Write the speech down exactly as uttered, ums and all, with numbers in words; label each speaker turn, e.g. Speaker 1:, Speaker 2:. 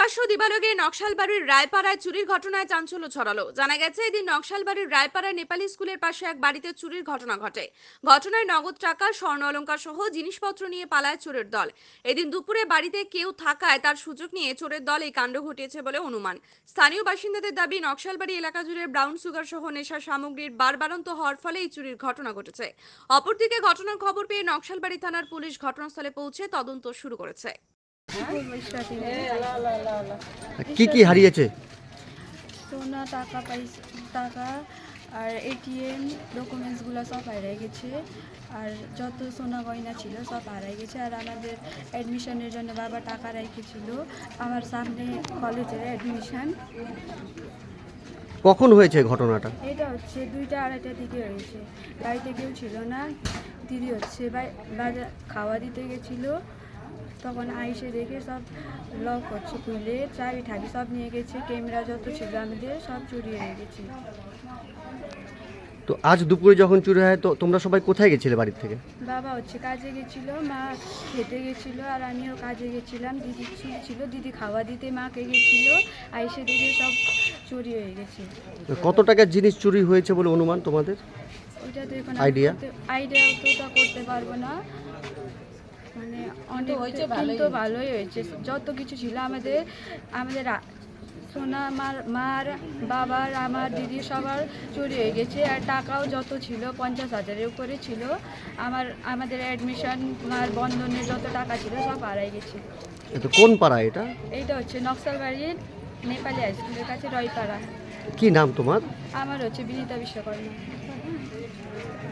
Speaker 1: প্রকাশ্য দিবালোকে নকশালবাড়ির রায়পাড়ায় চুরির ঘটনায় চাঞ্চল্য ছড়ালো। জানা গেছে, এদিন নকশালবাড়ির রায়পাড়ায় নেপালি স্কুলের পাশে এক বাড়িতে চুরির ঘটনা ঘটে। ঘটনায় নগদ টাকা, স্বর্ণ অলংকার সহ জিনিসপত্র নিয়ে পালায় চোরের দল। এদিন দুপুরে বাড়িতে কেউ থাকায় তার সুযোগ নিয়ে চোরের দল এই কাণ্ড ঘটিয়েছে বলে অনুমান। স্থানীয় বাসিন্দাদের দাবি, নকশালবাড়ি এলাকা জুড়ে ব্রাউন সুগার সহ নেশার সামগ্রীর বারবারন্ত হওয়ার ফলে এই চুরির ঘটনা ঘটেছে। অপরদিকে ঘটনার খবর পেয়ে নকশালবাড়ি থানার পুলিশ ঘটনাস্থলে পৌঁছে তদন্ত শুরু করেছে।
Speaker 2: কি কি হারিয়েছে?
Speaker 3: সোনা, টাকা পয়সা, টাকা আর এটিএম ডকুমেন্টসগুলো সব হারিয়ে গেছে। আর যত সোনা গয়না ছিল সব হারিয়ে গেছে। আর আমাদের অ্যাডমিশনের জন্য বাবা টাকা রেখেছিল। আমার সামনে কলেজের অ্যাডমিশন।
Speaker 2: কখন হয়েছে ঘটনাটা?
Speaker 3: এটা হচ্ছে দুইটা আড়াইটার দিকে হয়েছে। বাড়িতে কেউ ছিল না। দিদি হচ্ছে বাজার খাওয়া দিতে গেছিলো, তখন আইসে দেখে সব লক হচ্ছে, খুলে চাবি ঠাবি সব নিয়ে গেছে। ক্যামেরা যত ছিল আমাদের সব চুরি হয়ে গেছে।
Speaker 2: তো আজ দুপুরে যখন চুরি হয়, তো তোমরা সবাই কোথায় গেছিলে বাড়ির থেকে?
Speaker 3: বাবা হচ্ছে কাজে গেছিল, মা খেতে গেছিল, আর আমিও কাজে গেছিলাম। দিদি ছিল, দিদি খাওয়া দিতে মাকে গেছিল। আইসে দেখে সব চুরি হয়ে গেছে।
Speaker 2: কত টাকার জিনিস চুরি হয়েছে বলে অনুমান তোমাদের?
Speaker 3: ওইটা তো এখন
Speaker 2: আইডিয়া
Speaker 3: আইডিয়া তো তা করতে পারবো না। মানে অনেক কিন্তু ভালোই হয়েছে। যত কিছু ছিল আমাদের আমাদের সোনা, আমার মার, বাবার, আমার দিদি সবার চুরি হয়ে গেছে। আর টাকাও যত ছিল পঞ্চাশ হাজারের উপরে ছিল। আমার আমাদের অ্যাডমিশন, মার বন্ধনের যত টাকা ছিল সব হারাই গেছে।
Speaker 2: এটা কোন পাড়া এটা?
Speaker 3: এইটা হচ্ছে নকশালবাড়ির নেপালি হাই স্কুলের কাছে রয়পাড়া।
Speaker 2: কি নাম তোমার?
Speaker 3: আমার হচ্ছে বিনীতা বিশ্বকর্মা।